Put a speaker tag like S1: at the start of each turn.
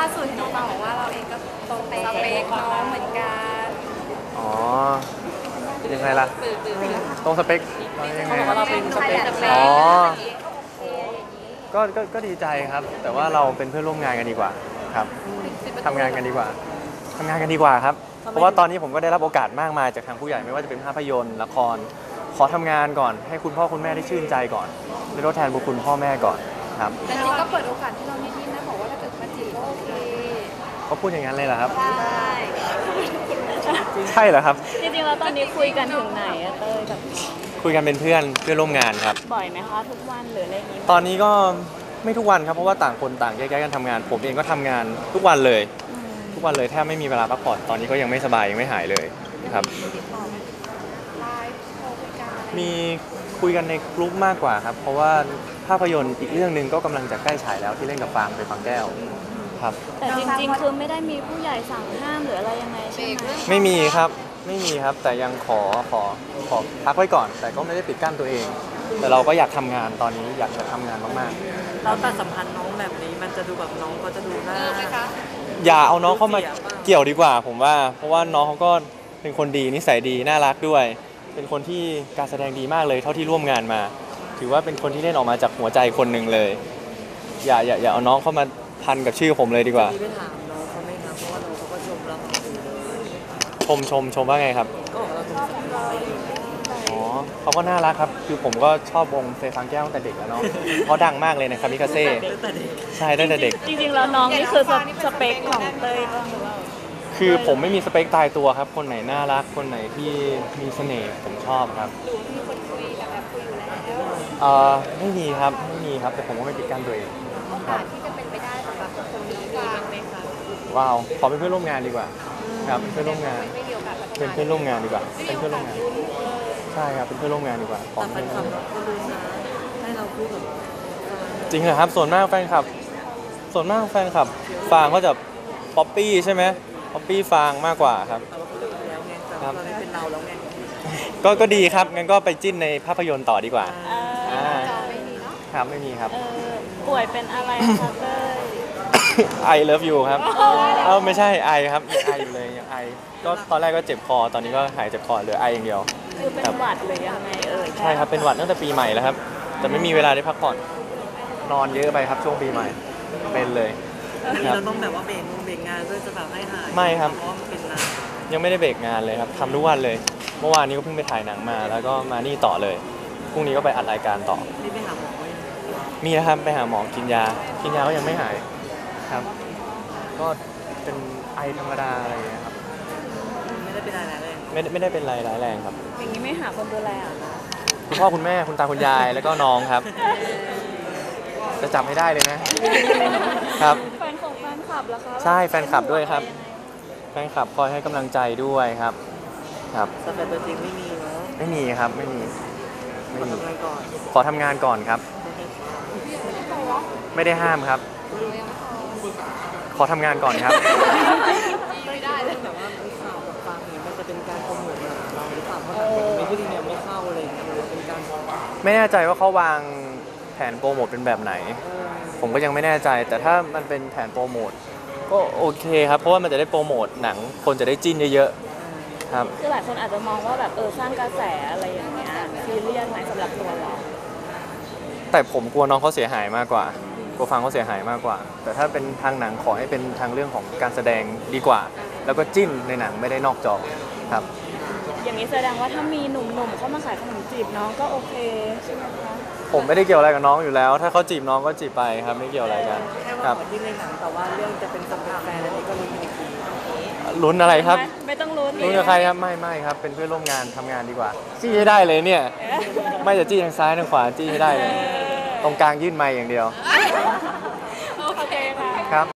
S1: สุดเห็นน้องบอกว่าเราเองก็ตรงสเปคน้องเหมือนกัน
S2: อ๋อยังไงล่ะตรงสเปคยังไง
S1: เขาบอกว่าเราเป็นสเปค
S2: อ๋อก็ดีใจครับแต่ว่าเราเป็นเพื่อนร่วมงานกันดีกว่าครับทำงานกันดีกว่าทำงานกันดีกว่าครับเพราะว่าตอนนี้ผมก็ได้รับโอกาสมากมายจากทางผู้ใหญ่ไม่ว่าจะเป็นภาพยนตร์ละครขอทำงานก่อนให้คุณพ่อคุณแม่ได้ชื่นใจก่อนได้ทดแทนบุญคุณพ่อแม่ก่อนครับ
S1: แต่จริงก็เปิดโอกาสให้เรานิดๆนะบอกว่าถ้าเกิดมาจีบก็โอเค
S2: เขาพูดอย่างนั้นเลยเหรอครับ
S1: ใช่
S2: ใช่เหรอครับ
S3: จริงๆแล้วตอนนี้คุยกันถึงไหนอะเต้ยแบบ
S2: คุยกันเป็นเพื่อนร่วมงานครับ
S3: บ่อยไหมคะทุกวันหรืออะไรอย่างนี้
S2: ตอนนี้ก็ไม่ทุกวันครับเพราะว่าต่างคนต่างแยกกันทำงานผมเองก็ทำงานทุกวันเลยแทบไม่มีเวลาพักผ่อนตอนนี้ก็ยังไม่สบายยังไม่หายเลยครับมีคุยกันในกลุ่มมากกว่าครับเพราะว่าภาพยนตร์อีกเรื่องหนึ่งก็กำลังจะใกล้ฉายแล้วที่เล่นกับฟางไปฟังแก้วครับ
S3: แต่จริงๆคือไม่ได้มีผู้ใหญ่สั่งห้ามหรืออะไรยังไงใช่ไหม
S2: ไม่มีครับแต่ยังขอพักไว้ก่อนแต่ก็ไม่ได้ปิดกั้นตัวเองแต่เราก็อยากทำงานตอนนี้อยากจะทำงานมาก
S4: ๆเราตัดสัมพันธ์น้องแบบนี้มันจะดูแบบน้องก็จะดูน่า
S2: อย่าเอาน้องเข้ามาเกี่ยวดีกว่าผมว่าเพราะว่าน้องเขาก็เป็นคนดีนิสัยดีน่ารักด้วยเป็นคนที่การแสดงดีมากเลยเท่าที่ร่วมงานมาถือว่าเป็นคนที่เล่นออกมาจากหัวใจคนหนึ่งเลยอย่าเอาน้องเข้ามาพันกับชื่อผมเลยดีกว่า
S4: ไปถามน้องเขาไหมครับเพราะว่าน้องเขาก็ชมเรา
S2: ชมว่าไงครับ
S4: ก็เราชอบเรา
S2: อ๋อเขาก็น่ารักครับคือผมก็ชอบวงเฟย์ฟางแก้วตั้งแต่เด็กแล้วเนาะเขาดังมากเลยนะคามิคาเซ่ใช่ตั้งแต่เด็ก
S3: จริงๆแล้วน้องนี่คือสเปคของเต้ยบ้างหรือเปล่า
S2: คือผมไม่มีสเปคตายตัวครับคนไหนน่ารักคนไหนที่มีเสน่ห์ผมชอบครับ
S1: หรือมีคนคุยแบบคุยอยู่แล้ว
S2: ไม่มีครับแต่ผมก็ไม่ปิดกั้นตัวเอง
S1: โอกาสที่จะเป็นไปได้สำหรับคนนี้มีบ้างไหมคะ
S2: ว้าวขอเป็นเพื่อนร่วมงานดีกว่าครับเป็นเพื่อนร่วมงานเป็นเพื่อนร่วมงานดีกว่าเป็นเพื่อนร่วมงานใช่ครับเป็นเพื่อนร่วมงานดีกว่า
S4: แต่แฟนคลับก็รู้นะให้เราพูดแบบ
S2: จริงเหรอครับส่วนมากแฟนคลับฟางก็จะป๊อปปี้ใช่ไหมป๊อปปี้ฟางมากกว่าครับ
S4: ครับเป็นเราแล้วไง
S2: ก็ดีครับงั้นก็ไปจิ้นในภาพยนตร์ต่อดีกว่าครับไม่มีครับ
S3: ป่วยเป็นอะไรคะเต้ย
S2: ไอเลิฟยูครับไม่ใช่ไอครับยังไออยู่เลยยังไอก็ตอนแรกก็เจ็บคอตอนนี้ก็หายเจ็บคอเหลือไออย่างเดียว
S3: คือเป็นหวัดหรือยังไง
S2: ใช่ครับเป็นหวัดตั้งแต่ปีใหม่แล้วครับแต่ไม่มีเวลาได้พักผ่อนนอนเยอะไปครับช่วงปีใหม่เป็นเลย
S4: เราต้องแบบว่าเบรกงานเพื่อจะแบบให้หาย
S2: ไม่ครับ
S4: เพราะมันเป็นนาน
S2: ยังไม่ได้เบรกงานเลยครับทำทุกวันเลยเมื่อวานนี้ก็เพิ่งไปถ่ายหนังมาแล้วก็มานี่ต่อเลยพรุ่งนี้ก็ไปอัดรายการต่อ
S4: นี่ไปหาหมอไหม
S2: มีนะครับไปหาหมอกินยาก็ยังไม่หายครับก็เป็นไอธรรมดาอะไรอย่างเงี้ยครับ
S4: ไม่ได้เป็นอะไรเลย
S2: ไม่ได้เป็นไรร้ายแรงครับ
S3: อย่างนี้ไม่หาคนดูแลอ่ะ
S2: คุณพ่อคุณแม่คุณตาคุณยายแล้วก็น้องครับจะจับให้ได้เลยนะครับ
S3: แฟนคลับแล้วครับ
S2: ใช่แฟนคลับด้วยครับแฟนคลับคอยให้กำลังใจด้วยครับ
S4: แต่แฟนตัวจริงไม่มีเนาะ
S2: ไม่มีครับไม่มีขอทำงานก่อนครับไม่ได้ห้ามครับขอทำงานก่อนครับ
S4: ไม่ได้เลยแบบว่าข่าวกับฟังเนี่ยมันจะเป็นการโปรโมทเราหรือเปล่าเพราะไม่ที่เนี่ยไม่เข้าอะไรอย่างเงี้ยเป็นการ
S2: ไม่แน่ใจว่าเขาวางแผนโปรโมทเป็นแบบไหนผมก็ยังไม่แน่ใจแต่ถ้ามันเป็นแผนโปรโมทก็โอเคครับเพราะว่ามันจะได้โปรโมทหนังคนจะได้จิ้นเยอะๆครับ
S3: คือหลายคนอาจจะมองว่าแบบสร้างกระแสอะไรอย่างเงี้ยซีเรียสไหมสำหรับตัวเรา
S2: แต่ผมกลัวน้องเขาเสียหายมากกว่ากลัวฟังเขาเสียหายมากกว่าแต่ถ้าเป็นทางหนังขอให้เป็นทางเรื่องของการแสดงดีกว่าแล้วก็จิ้นในหนังไม่ได้นอกจอครับ
S3: อย่างนี้แสดงว่าถ้ามีหนุ่มๆเข้ามาขายขนมจีบน้องก็โอเคใช่ไหมคะ
S2: ผมไม่ได้เกี่ยวอะไรกับน้องอยู่แล้วถ้าเขาจีบน้องก็จีบไปครับไม่เกี่ยวอะไรกัน
S4: ครับที่ในหนังแต่ว่าเรื่องจะเป็นสำหรับแฟนอันนี้ก็ลุ้นอีกที
S2: ลุ้นอะไรครับ
S3: ไม่ต้องลุ้น
S2: กับใครครับไม่ครับเป็นเพื่อนร่วมงานทำงานดีกว่าจี้ให้ได้เลยเนี่ยไม่จะจี้ทางซ้ายทางขวาจี้ให้ได้เลยตรงกลางยื่นไมค์อย่างเดียว
S3: โอเคค่ะ
S2: ครับ